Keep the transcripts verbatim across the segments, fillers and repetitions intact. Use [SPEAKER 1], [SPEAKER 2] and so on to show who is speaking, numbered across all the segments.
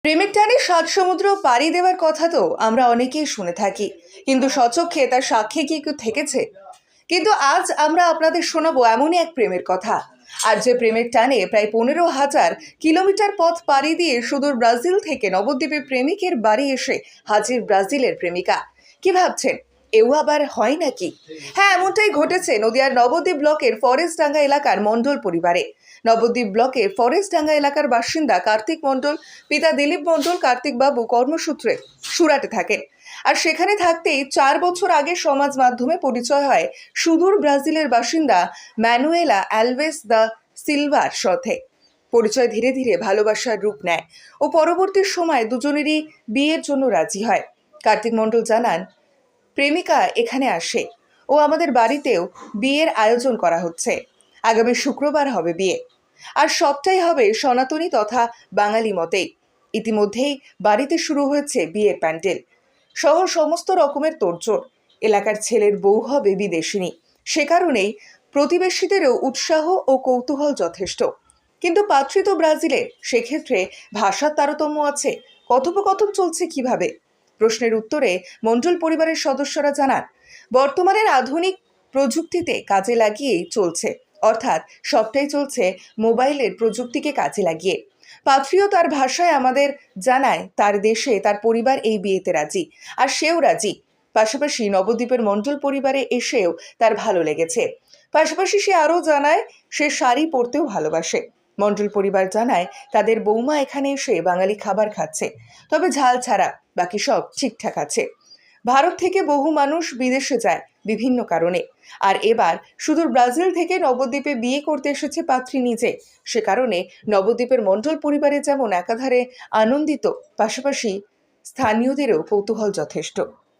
[SPEAKER 1] প্রেমের টানে সাত সমুদ্র পাড়ি দেওয়ার কথা তো আমরা অনেকেই শুনে থাকি, কিন্তু স্বচক্ষে তার সাক্ষী কি কেউ থেকেছে? কিন্তু আজ আমরা আপনাদের শোনাবো এমনই এক প্রেমের কথা। আর যে প্রেমের টানে প্রায় পনেরো হাজার কিলোমিটার পথ পাড়ি দিয়ে সুদূর ব্রাজিল থেকে নবদ্বীপে প্রেমিকের বাড়ি এসে হাজির ব্রাজিলের প্রেমিকা। কি ভাবছেন, এও আবার হয় নাকি? হ্যাঁ, এমনটাই ঘটেছে নদিয়ার নবদ্বীপ ব্লকের ফরেস্টডাঙ্গা এলাকার মণ্ডল পরিবারে। নবদ্বীপ ব্লকের ফরেস্টডাঙ্গা এলাকার বাসিন্দা কার্তিক মণ্ডল, পিতা দিলীপ মণ্ডল। কার্তিক বাবু কর্মসূত্রে সুরাটে থাকেন, আর সেখানে থাকতেই চার বছর আগে সমাজ মাধ্যমে পরিচয় হয় সুদূর ব্রাজিলের বাসিন্দা ম্যানুয়েলা অ্যালভেস দা সিলভার সাথে। পরিচয় ধীরে ধীরে ভালোবাসার রূপ নেয় ও পরবর্তী সময় দুজনেরই বিয়ের জন্য রাজি হয়। কার্তিক মণ্ডল জানান, প্রেমিকা এখানে আসে ও আমাদের বাড়িতেও বিয়ের আয়োজন করা হচ্ছে। আগামী শুক্রবার হবে বিয়ে, আর সবটাই হবে সনাতনী তথা বাঙালি মতেই। ইতিমধ্যেই বাড়িতে শুরু হয়েছে বিয়ের প্যান্ডেল সহ সমস্ত রকমের তোড়জোড়। এলাকার ছেলের বউ হবে বিদেশিনী, সে কারণেই প্রতিবেশীদেরও উৎসাহ ও কৌতূহল যথেষ্ট। কিন্তু পাত্রী তো ব্রাজিলে, সেক্ষেত্রে ভাষার তারতম্য আছে। কথোপকথন চলছে কিভাবে? প্রশ্নের উত্তরে মণ্ডল পরিবারের সদস্যরা জানান, বর্তমানের আধুনিক প্রযুক্তিতে কাজে লাগিয়েই চলছে, অর্থাৎ সবটাই চলছে মোবাইলের প্রযুক্তিকে কাজে লাগিয়ে। পাত্রীও তার ভাষায় আমাদের জানায় তার দেশে তার পরিবার এই বিয়েতে রাজি, আর সেও রাজি। পাশাপাশি নবদ্বীপের মণ্ডল পরিবারে এসেও তার ভালো লেগেছে। পাশাপাশি সে আরও জানায় সে শাড়ি পরতেও ভালোবাসে। মণ্ডল পরিবার জানায় তাদের বৌমা এখানে এসে বাঙালি খাবার খাচ্ছে, তবে ঝাল ছাড়া, বাকি সব ঠিকঠাক আছে। ভারত থেকে বহু মানুষ বিদেশে যায় বিভিন্ন কারণে, আর এবার সুদূর ব্রাজিল থেকে নবদ্বীপে বিয়ে করতে এসেছে পাত্রী নিজে। সে কারণে নবদ্বীপের মণ্ডল পরিবারে যেমন একাধারে আনন্দিত, পাশাপাশি স্থানীয়দেরও কৌতূহল যথেষ্ট।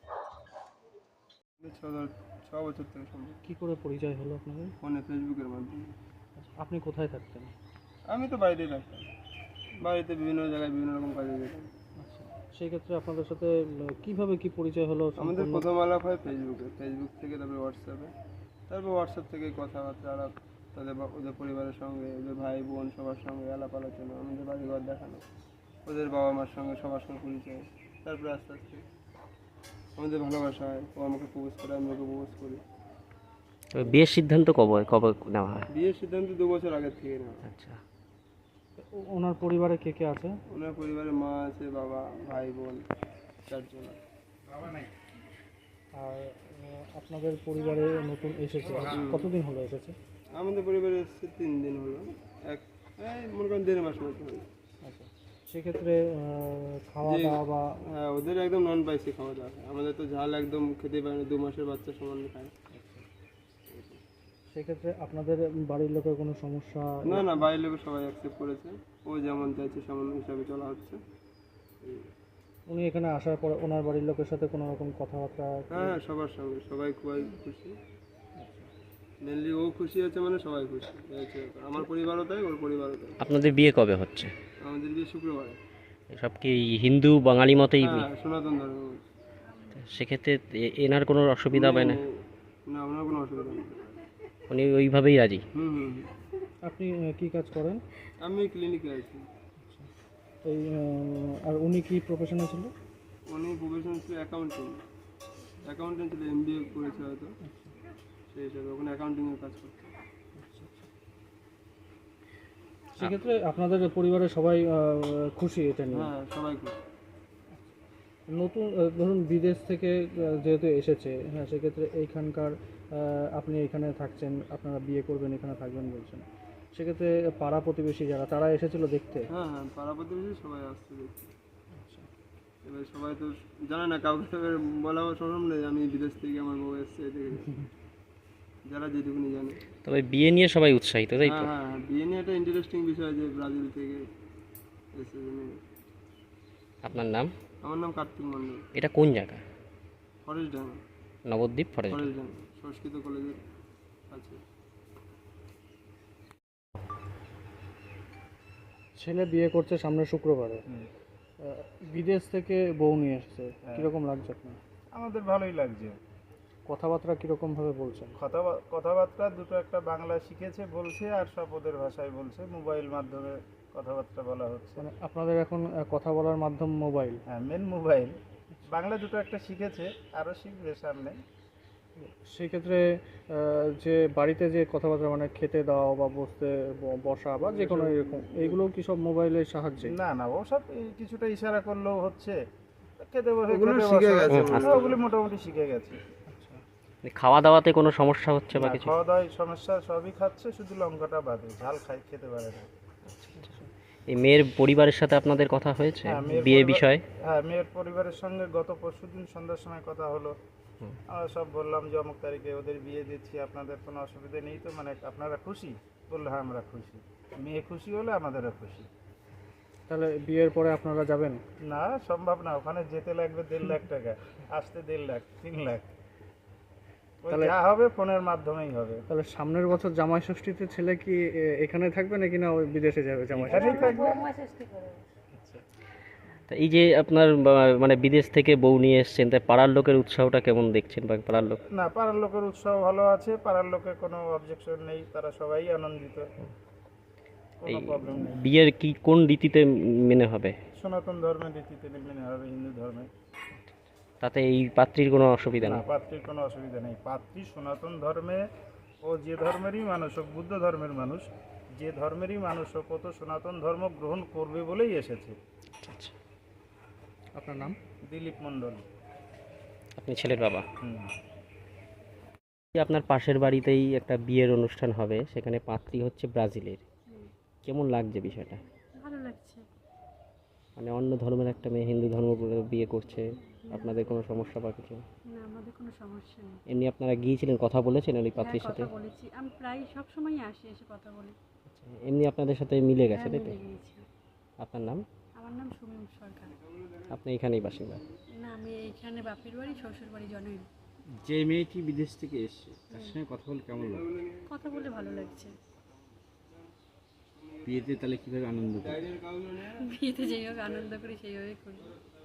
[SPEAKER 2] ছ বছর থেকে সম্ভব।
[SPEAKER 3] কি করে পরিচয় হলো আপনাদের?
[SPEAKER 2] ফোনে, ফেসবুকের মাধ্যমে।
[SPEAKER 3] আপনি কোথায় থাকতেন?
[SPEAKER 2] আমি তো বাড়িতেই থাকতাম, বাড়িতে বিভিন্ন জায়গায় বিভিন্ন রকম কাজে যেতাম।
[SPEAKER 3] আচ্ছা, সেই ক্ষেত্রে আপনাদের সাথে কিভাবে কি পরিচয় হলো?
[SPEAKER 2] আমাদের
[SPEAKER 3] সম্পূর্ণ-
[SPEAKER 2] প্রথম আলাপ হয় ফেসবুকে, ফেসবুক থেকে তারপরে হোয়াটসঅ্যাপে, তারপর হোয়াটসঅ্যাপ থেকে কথাবার্তা আলাপ, তাদের বা- ওদের পরিবারের সঙ্গে, ওদের ভাই বোন সবার সঙ্গে আলাপ আলোচনা, আমাদের বাড়িঘর দেখানো, ওদের বাবা মার সঙ্গে সবার সঙ্গে পরিচয়। তারপরে আস্তে আস্তে আমাদের ভালোবাসা হয়, ও আমাকে প্রপোজ করে, আমি ওকে প্রপোজ করি।
[SPEAKER 4] বিয়ের সিদ্ধান্ত কবে কবে নেওয়া হয়?
[SPEAKER 2] বিয়ের সিদ্ধান্ত দু বছর আগের থেকে নেওয়া।
[SPEAKER 4] আচ্ছা,
[SPEAKER 3] ও- ওনার পরিবারে কে কে আছে?
[SPEAKER 2] ওনার পরিবারে মা আছে, বাবা, ভাই বোন, চারজন আছে।
[SPEAKER 3] আর আহ, আপনাদের পরিবারে নতুন এসেছে, কতদিন হলো এসেছে?
[SPEAKER 2] আমাদের পরিবারে এসেছে তিন দিন হলো, এক এই মনে করেন দেড় মাস মতো হলো।
[SPEAKER 3] আচ্ছা, সেক্ষেত্রে আহ, খাওয়া
[SPEAKER 2] যে-
[SPEAKER 3] দাওয়া বা
[SPEAKER 2] হ্যাঁ, ওদের একদম নন স্পাইসি খাওয়া দাওয়া খায়। আমাদের তো ঝাল একদম খেতে পারে না, দু মাসের বাচ্চা সমান খায়।
[SPEAKER 3] সেক্ষেত্রে আপনাদের বাড়ির লোকের কোনো সমস্যা?
[SPEAKER 2] না না, বাইরের লোক সবাই অ্যাকসেপ্ট করেছে, ও যেমন চাইছে সেমন হিসাবে চলা হচ্ছে।
[SPEAKER 3] উনি এখানে আসার পর ওনার বাড়ির লোকের সাথে কোনো রকম কথাবার্তা?
[SPEAKER 2] হ্যাঁ হ্যাঁ, সবার সঙ্গে, সবাই খুবই খুশি। মেনলি ও খুশি আছে মানে সবাই খুশি, এই হচ্ছে ব্যাপার। আমার পরিবারও তাই, ওর পরিবারও তাই।
[SPEAKER 4] আপনাদের বিয়ে কবে হচ্ছে?
[SPEAKER 2] আমাদের বিয়ে শুক্রবারে।
[SPEAKER 4] সব কি হিন্দু বাঙালি মতেই বিয়ে?
[SPEAKER 2] হ্যাঁ, সনাতন ধর্ম।
[SPEAKER 4] সেক্ষেত্রে এ- এনার কোনো অসুবিধা হবে না?
[SPEAKER 2] না, ওনার কোনো অসুবিধা নেই।
[SPEAKER 4] উনি ওইভাবেই রাজি?
[SPEAKER 2] হুম হুম হুম।
[SPEAKER 3] আপনি আহ, কি কাজ করেন?
[SPEAKER 2] আমি ক্লিনিকে আছি।
[SPEAKER 3] এই আহ, আর উনি কি প্রফেশনে ছিল?
[SPEAKER 2] উনি প্রফেশন ছিল অ্যাকাউন্টেন্ট, অ্যাকাউন্টেন্ট ছিল, এম বি এ করেছে হয়তো, সেই হিসাবে ওখানে অ্যাকাউন্টিংয়ের কাজ করতো।
[SPEAKER 3] সেক্ষেত্রে আপনাদের পরিবারের সবাই আহ, খুশি এটা নিয়ে?
[SPEAKER 2] হ্যাঁ, সবাই খুশি।
[SPEAKER 3] নতুন আহ, ধরুন বিদেশ থেকে আহ, যেহেতু এসেছে, হ্যাঁ, সেক্ষেত্রে এইখানকার আহ, আপনি এখানে থাকছেন, আপনারা বিয়ে করবেন, এখানে থাকবেন বলছেন, সেক্ষেত্রে পাড়া প্রতিবেশী যারা তারা এসেছিল দেখতে?
[SPEAKER 2] হ্যাঁ হ্যাঁ, পাড়া প্রতিবেশী সবাই আসছে দেখতে। এবার সবাই তো জানে না, কাউকে তো এবার বলা সম্ভব নেই আমি বিদেশ থেকে আমার বউ এসছে দেখে, যারা যেটুকুনি জানে।
[SPEAKER 4] তবে বিয়ে নিয়ে সবাই উৎসাহিত, তাই তো?
[SPEAKER 2] হ্যাঁ হ্যাঁ হ্যাঁ, বিয়ে নিয়ে একটা ইন্টারেস্টিং বিষয় যে ব্রাজিল থেকে এসে জেনে।
[SPEAKER 4] আপনার নাম?
[SPEAKER 2] আমার নাম কার্তিক মণ্ডল।
[SPEAKER 4] এটা কোন জায়গা?
[SPEAKER 2] Forest Danga,
[SPEAKER 4] Nabadwip forest?
[SPEAKER 2] Forest Danga Sanskrit কলেজের আছে।
[SPEAKER 3] ছেলে বিয়ে করছে সামনে শুক্রবারে, আহ, বিদেশ থেকে বউ নিয়ে এসেছে, কীরকম লাগছে আপনার?
[SPEAKER 5] আমাদের ভালোই লাগছে।
[SPEAKER 3] কথাবার্তা কীরকমভাবে বলছেন?
[SPEAKER 5] কথা- কথাবার্তা দুটো একটা বাংলা শিখেছে বলছে, আর সব ওদের ভাষায় বলছে, মোবাইল মাধ্যমে কথাবার্তা বলা হচ্ছে।
[SPEAKER 3] মানে আপনাদের এখন আহ, কথা বলার মাধ্যম মোবাইল।
[SPEAKER 5] হ্যাঁ, মেন মোবাইল। বাংলা দুটো একটা শিখেছে, আরও শিখবে সামনে।
[SPEAKER 3] সেই ক্ষেত্রে আহ, যে বাড়িতে যে কথাবার্তা মানে খেতে দাও বা বসতে ব- বসা বা যে কোনো এরকম এইগুলো কি সব মোবাইলের সাহায্যে?
[SPEAKER 5] না না, ওসব এই কিছুটা ইশারা করলেও হচ্ছে। খেতে বসে
[SPEAKER 2] ওগুলো
[SPEAKER 5] খেতে
[SPEAKER 2] শিখে
[SPEAKER 5] বসো।
[SPEAKER 2] গেছে
[SPEAKER 4] হুম,
[SPEAKER 2] মনে
[SPEAKER 5] হ্যাঁ,
[SPEAKER 2] হয়।
[SPEAKER 5] ওগুলি মোটামুটি শিখে গেছে।
[SPEAKER 4] খাওয়া দাওয়াতে কোনো সমস্যা হচ্ছে বা
[SPEAKER 5] না,
[SPEAKER 4] কিছু?
[SPEAKER 5] খাওয়া দাওয়ায় সমস্যা সবই খাচ্ছে, শুধু লঙ্কাটা বাদে, ঝাল খাই খেতে পারে না।
[SPEAKER 4] এই মেয়ের পরিবারের সাথে আপনাদের কথা হয়েছে
[SPEAKER 5] হ্যাঁ, মেয়ের
[SPEAKER 4] বিয়ে
[SPEAKER 5] পরিবার-
[SPEAKER 4] বিষয়ে?
[SPEAKER 5] হ্যাঁ, মেয়ের পরিবারের সঙ্গে গত পরশুদিন সন্ধ্যার সময় কথা হলো। আমরা সব বললাম যে অমুক তারিখে ওদের বিয়ে দিচ্ছি, আপনাদের কোনো অসুবিধা নেই তো, মানে আপনারা খুশি? বললো হ্যাঁ আমরা খুশি। মেয়ে খুশি হলে আমাদেরও খুশি।
[SPEAKER 3] তাহলে বিয়ের পরে আপনারা যাবেন?
[SPEAKER 5] না, সম্ভব না, ওখানে যেতে লাগবে দেড় লাখ টাকা, আসতে দেড় লাখ তিন লাখ। ওই
[SPEAKER 3] তাহলে-
[SPEAKER 5] যা হবে ফোনের মাধ্যমেই হবে।
[SPEAKER 3] তাহলে সামনের বছর জামাই ষষ্ঠীতে ছেলে কি এ, এখানে থাকবে নাকি না ওই বিদেশে যাবে জামাই ষষ্ঠী?
[SPEAKER 5] এখানেই থাকবে।
[SPEAKER 4] তা এই যে আপনার বা- মানে বিদেশ থেকে বউ নিয়ে এসছেন, তাই পাড়ার লোকের উৎসাহটা কেমন দেখছেন বা পাড়ার লোক?
[SPEAKER 5] না, পাড়ার লোকের উৎসাহ ভালো আছে, পাড়ার লোকের কোনো অবজেকশন নেই, তারা সবাই আনন্দিত,
[SPEAKER 4] এই
[SPEAKER 5] কোনো প্রবলেম নেই।
[SPEAKER 4] বিয়ের কি কোন রীতিতে মেনে হবে?
[SPEAKER 5] সনাতন ধর্মের রীতিতে মেনে হবে, হিন্দু ধর্মে।
[SPEAKER 4] তাতে এই পাত্রীর কোনো অসুবিধা
[SPEAKER 5] না,
[SPEAKER 4] নেই?
[SPEAKER 5] পাত্রীর কোনো অসুবিধা নেই। পাত্রী সনাতন ধর্মে, ও যে ধর্মেরই মানুষ হোক, বুদ্ধ ধর্মের মানুষ, যে ধর্মেরই মানুষ হোক, ও তো সনাতন ধর্ম গ্রহণ করবে বলেই এসেছে।
[SPEAKER 4] আচ্ছা,
[SPEAKER 3] আপনার নাম?
[SPEAKER 5] দিলীপ মণ্ডল।
[SPEAKER 4] আপনি ছেলের বাবা।
[SPEAKER 5] হুম।
[SPEAKER 4] এই আপনার পাশের বাড়িতেই একটা বিয়ের অনুষ্ঠান হবে, সেখানে পাত্রী হচ্ছে ব্রাজিলের। কেমন লাগছে বিষয়টা?
[SPEAKER 6] ভালো লাগছে।
[SPEAKER 4] মানে অন্য ধর্মের একটা মেয়ে হিন্দু ধর্ম করে বিয়ে করছে, আপনাদের কোনো সমস্যা বা কিছু?
[SPEAKER 6] না, আমাদের কোনো সমস্যা নেই।
[SPEAKER 4] এমনি আপনারা গিয়েছিলেন, কথা বলেছেন ওই
[SPEAKER 6] হ্যাঁ,
[SPEAKER 4] পাত্রীর সাথে?
[SPEAKER 6] কথা বলেছি, আমি প্রায় সব সময়ই আসি, এসে কথা বলি।
[SPEAKER 4] এমনি আপনাদের সাথে মিলে গেছে,
[SPEAKER 6] হ্যাঁ,
[SPEAKER 4] তাই তো?
[SPEAKER 6] মিলে গিয়েছি।
[SPEAKER 4] আপনার নাম?
[SPEAKER 6] আমার নাম সুমিম সরকার।
[SPEAKER 4] আপনি এখানেই বাসিন্দা?
[SPEAKER 6] না, আমি এইখানে বাপের বাড়ি, শ্বশুর বাড়ি জনই।
[SPEAKER 7] যে মেয়েটি বিদেশ থেকে এসছে তার সঙ্গে কথা বলে কেমন লাগে?
[SPEAKER 6] কথা বলে ভালো লাগছে।
[SPEAKER 7] বিয়েতে তাহলে কিভাবে আনন্দ করে?
[SPEAKER 6] বিয়েতে যেই হোক আনন্দ করি, সেইভাবেই করি।